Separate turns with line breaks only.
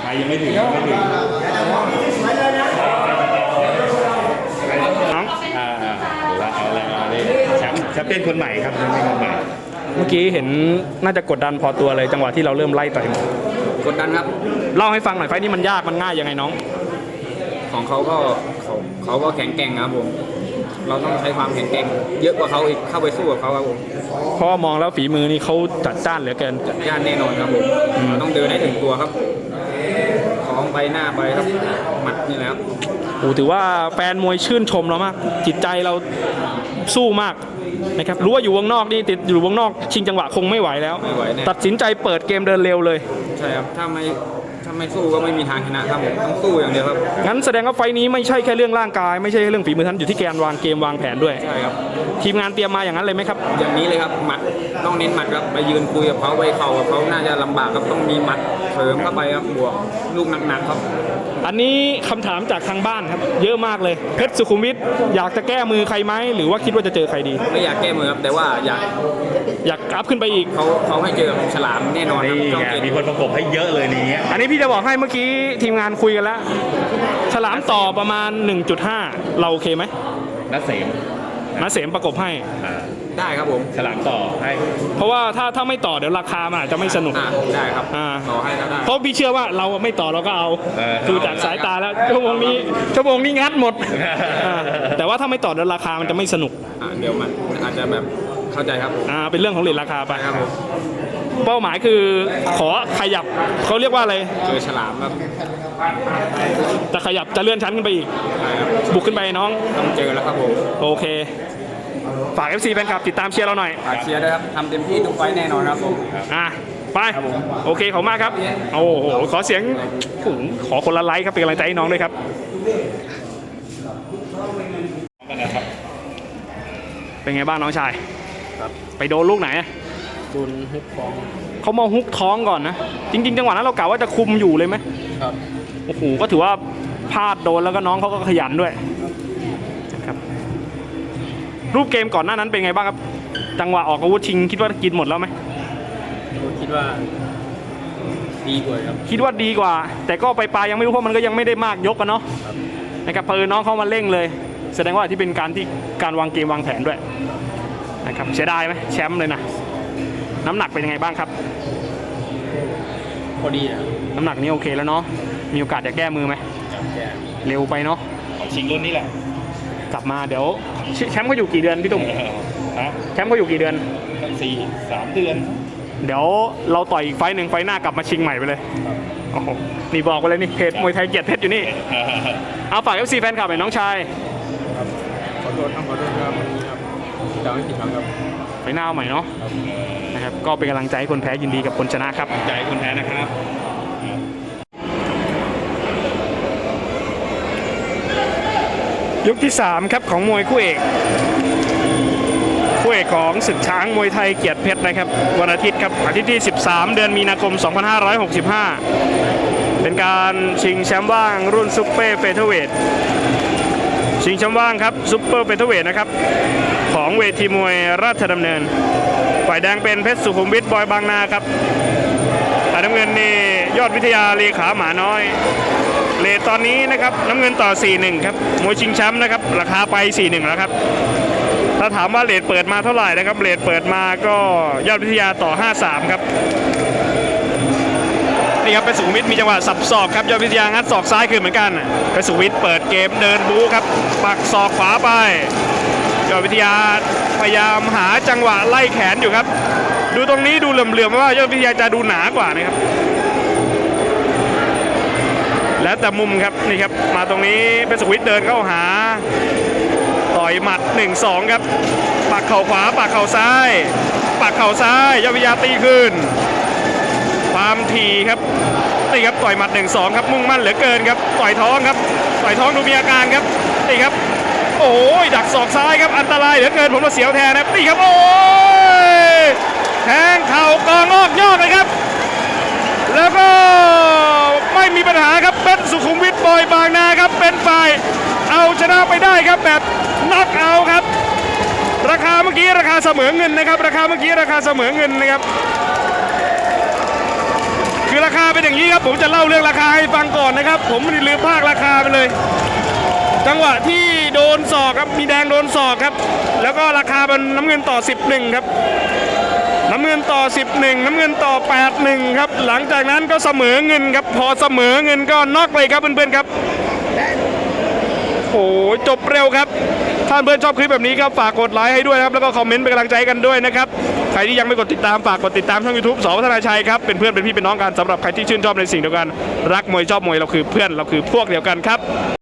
ยังไม่ถึงน้องเอาแล้วนี่แชมเปี้ยนคนใหม่ครับแชมเปี้ยนคนใหม่
เมื่อกี้เห็นน่าจะกดดันพอตัวเลยจังหวะที่เราเริ่มไล่ต่อย
กดดันครับ
เล่าให้ฟังหน่อยไฟนี้มันยากมันง่ายยังไงน้อง
ของเขาก็แข็งแกร่งครับผมเราต้องใช้ความแข็งแกร่งเยอะกว่าเขาอีกเข้าไปสู้กับเขาครับผม
เพราะมองแล้วฝีมือนี่เขาจัดจ้านเหลือเกิน
จัดจ้านแน่นอนครับผมเราต้องเดินให้ถึงตัวครับของไปหน้าไปครับหมัดนี่แหละครับ
โอ้ถือว่าแฟนมวยชื่นชมเรามากจิตใจเราสู้มากนะครับรู้ว่าอยู่วงนอกนี่ติดอยู่วงนอกชิงจังหวะคงไม่ไหวแล้วตัดสินใจเปิดเกมเดินเร็วเลย
ใช่ครับถ้าไม่สู้ก็ไม่มีทางชนะครับผมต้องสู้อย่างเดียวครับ
งั้นแสดงว่าไฟนี้ไม่ใช่แค่เรื่องร่างกายไม่ใช่เรื่องฝีมือท่านอยู่ที่การวางเกมวางแผนด้วย
ใช่ครับ
ทีมงานเตรียมมาอย่างนั้นเลยไหมครับ
อย่างนี้เลยครับหมัดต้องเน้นหมัดครับไปยืนคุยกับเขาไปเข่ากับเขาน่าจะลำบากครับต้องมีหมัดเสริมเข้าไปครับบวกลูกหนักๆครับ
อันนี้คำถามจากทางบ้านครับเยอะมากเลยเพชรสุขุมวิทอยากจะแก้มือใครไหมหรือว่าคิดว่าจะเจอใครดี
ไม่อยากแก้มือครับแต่ว่าอย
ากอัพขึ้นไปอีก
เขาให้เจอฉลามแน่นอนครับ
มีคนประกบให้เยอะเลยนี้
อันนี้พี่จะบอกให้เมื่อกี้ทีมงานคุยกันแล้วฉลามต่อประมาณ 1.5 เราโอเคไหม
นัเสม
ประกบให้
ได้ครับผม
ฉลามต่อให้
เพราะว่าถ้าไม่ต่อเดี๋ยวราคามันอาจจะไม่สนุก
ได้ครับต่อให้แล้วได้
เพราะพี่เชื่อว่าเราไม่ต่อเราก็เอาดูจากสายตาแล้วชั่วโมงนี้งัดหมดแต่ว่าถ้าไม่ต่อเดี๋ยวราคามันจะไม่สนุก
เดี๋ยวมันอาจจะแบบเข้าใจครับ
เป็นเรื่องของเรทราคาไป
ครับผม
เป้าหมายคือขอขยับเขาเรียกว่าอะไร
เจอฉลามครับ
แต่ขยับจะเลื่อนชั้นขึ้นไปอีกบุกขึ้นไปน้อง
ต้องเจอแล้วครับผม
โอเคฝาก FC แฟนคลับติดตามเชียร์เราหน่อย
ฝากเชียร์ด้วยครับทำเต็มที่ทุกไฟแน่นอนครับผม
ไปโอเคขอบมากครับโอ้โหขอเสียงขอคนละไลค์ครับเป็นกำลังใจให้น้องด้วยครับเป็นไงบ้างน้องชายไปโดนลูกไหน
โดนฮุกท้อง
เขามาฮุกท้องก่อนนะจริงๆจังหวะนั้นเรากะว่าจะคุมอยู่เลยไหม
ครับ
โอ้โหก็ถือว่าพลาดโดนแล้วก็น้องเขาก็ขยันด้วยครับรูปเกมก่อนหน้านั้นเป็นไงบ้างครับจังหวะออกอาวุธชิงคิดว่ากินหมดแล้วไหม
คิดว่าดีกว่าครับ
คิดว่าดีกว่าแต่ก็ไปปลายยังไม่รู้เพราะมันก็ยังไม่ได้มากยกกันเนาะนะครับเพอน้องเขามาเร่งเลยแสดงว่าที่เป็นการวางเกมวางแผนด้วยนะครับเสียดายไหมแชมป์เลยนะน้ำหนักเป็นยังไงบ้างครับ
พอดีนะ
น้ำหนักนี้โอเคแล้วเนาะมีโอกาสจะแก้มือไหมเร็วไปเนาะ
ชิงรุ่นนี้แหละ
กลับมาเดี๋ยวแชมป์เขาอยู่กี่เดือนพี่ตุ้มแชมป์เขาอยู่กี่เดือน
3 เดือน
เดี๋ยวเราต่อยอีกไฟหนึ่งไฟหน้ากลับมาชิงใหม่ไปเลยโอ้โหนี่บอกไปเลยนี่เพจมวยไทยเกียรติเพชรอยู่นี่เอาฝาก FC แฟนคลับหน่อยน้องชาย
ขอโทษครับจะไม่ผิดหวังครับ
ไปหน้าใหม่เนาะนะครับก็เป็นกำลังใจให้คนแพ้ยินดีกับคนชนะครับ
ใจคนแพ้นะครับ
ยกที่3ครับของมวยคู่เอกของศึกช้างมวยไทยเกียรติเพชรนะครับวันอาทิตย์ครับอาทิตย์ที่13เดือนมีนาคม2565เป็นการชิงแชมป์ว่างรุ่นซุปเปอร์เฟเธอร์เวทชิงแชมป์ว่างครับซุปเปอร์เฟเธอร์เวทนะครับของเวทีมวยราชดำเนินฝ่ายแดงเป็นเพชรสุขุมวิทบอยบางนาครับฝ่ายน้ำเงินนี่ยอดวิทยาเลขาหมาน้อยเรทตอนนี้นะครับน้ำเงินต่อ 4-1 ครับมวยชิงแชมป์นะครับราคาไป 4-1 แล้วครับถ้าถามว่าเรทเปิดมาเท่าไหร่นะครับเรทเปิดมาก็ยอดวิทยาต่อ 5-3 ครับนี่ครับเป็นสุขุมวิทมีจังหวะสับศอกครับยอดวิทยางัดศอกซ้ายคืนเหมือนกันเป็นสุขุมวิทเปิดเกมเดินบู๊ครับปักศอกขวาไปยอดวิทยาพยายามหาจังหวะไล่แขนอยู่ครับดูตรงนี้ดูเหลื่อมๆว่ายอดวิทยาจะดูหนากว่านะครับแล้วแต่มุมครับนี่ครับมาตรงนี้เป็นสุขุมวิทเดินเข้าหาต่อยหมัด 1-2 ครับปักเข่าขวาปักเข่าซ้ายปักเข่าซ้ายยอดวิทยาตีคืนความถี่ครับนี่ครับต่อยหมัด 1-2 ครับมุ่งมั่นเหลือเกินครับต่อยท้องครับต่อยท้องดูมีอาการครับนี่ครับโอ้ยดักศอกซ้ายครับอันตรายเหลือเกินผมมาเสียวแทนนะนี่ครับโอ้ยแทงเข่ากองอกยอกเลยครับแล้วก็ไม่มีปัญหาครับเป็นสุขุมวิทบอยบางนาครับเป็นฝ่ายเอาชนะไปได้ครับแบบน็อกเอาครับราคาเมื่อกี้ราคาเสมอเงินนะครับราคาเมื่อกี้ราคาเสมอเงินนะครับคืคือราคาเป็นอย่างนี้ครับผมจะเล่าเรื่องราคาให้ฟังก่อนนะครับผมไม่ได้ลืมภาคราคาไปเลย จังหวะที่โดนศอกครับมีแดงโดนศอกครับแล้วก็ราคาเป็นน้ำเงินต่อ 11ครับน้ำเงินต่อ 11น้ำเงินต่อ 81ครับหลังจากนั้นก็เสมอเงินครับพอเสมอเงินก็น็อกเลยครับเพื่อนๆครับโอ้จบเร็วครับถ้าเพื่อนชอบคลิปแบบนี้ครับฝากกดไลค์ให้ด้วยครับแล้วก็คอมเมนต์เป็นกำลังใจกันด้วยนะครับใครที่ยังไม่กดติดตามฝากกดติดตามช่อง YouTube ส.วัฒนาชัยครับเป็นเพื่อนเป็นพี่เป็นน้องกันสำหรับใครที่ชื่นชอบในสิ่งเดียวกันรักมวยชอบมวยเราคือเพื่อนเราคือพวกเดียวกันครับ